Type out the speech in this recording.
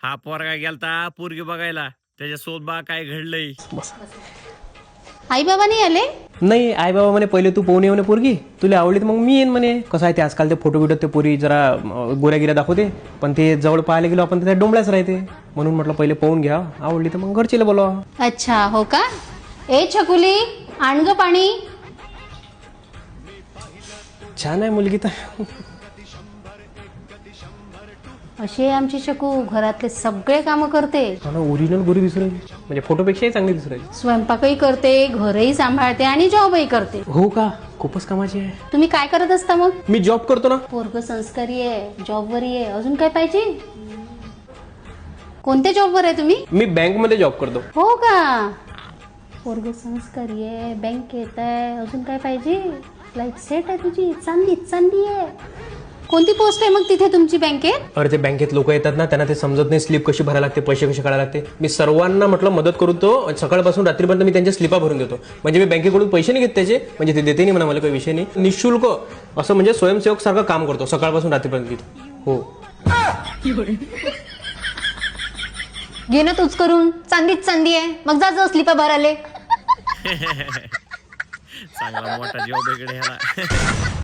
हा पोरगा गेलता पोरगी बघायला, त्याच्यासोबत बा काय घडलंय. आई बाबा नाही आले? नाही, आई बाबा म्हणे पहिले तू पाहून ये म्हणे पोरगी, तुला आवडली तर मग मी येईन म्हणे. कसं आहे ते आजकाल ते फोटो बिटो ते पोरी जरा गोऱ्या गिऱ्या दाखवते, पण ते जवळ पाहायला गेलो आपण तर त्या डोंबळ्याच राहते. म्हणून म्हटलं पहिले पाहून घ्या, आवडली तर मग घरचीला बोलवा. अच्छा हो का. ए छकुली आण ग पाणी. छान आहे मुलगी तर. अशी आहे आमची शकू, घरातले सगळे कामं करते. ओरिजिनल गोरी दिसू राहिली, म्हणजे फोटोपेक्षाही चांगली दिसू राहिली. स्वयंपाकही करते, घरही सांभाळते आणि जॉबही करते. हो का, खूपच कामाची आहे. तुम्ही काय करत असता मग? मी जॉब करतो ना. पोरग संस्कारी आहे, जॉबवरही आहे, अजून काय पाहिजे? कोणत्या जॉबवर आहे तुम्ही? मी बँक मध्ये जॉब करतो. हो का. पोरग संस्कारी आहे, बँकेत आहे, अजून काय पाहिजे? लाईफ सेट आहे तुझी, चांदी चांदी आहे. कोणती पोस्ट आहे मग तिथे तुमची बँकेत? अरे ते बँकेत लोक येतात ना, त्यांना ते समजत नाही स्लिप कशी भरायला लागते, पैसे कसे काढायला लागते. मी सर्वांना म्हटलं मदत करून तो सकाळपासून रात्रीपर्यंत मी त्यांच्या स्लिपा भरून देतो. म्हणजे मी बँकेकडून पैसे नाही घेत त्याचे, म्हणजे ते देते नाही म्हणा, मला काही विषय नाही. निशुल्क असं म्हणजे स्वयंसेवक सारखं काम करतो सकाळपासून रात्रीपर्यंत तिथे. हो. घे ना तूच करून, चांदीच चांदी आहे, मग जा स्लिपा भराले. चांगला मोठा जॉब इकडे ह्याला.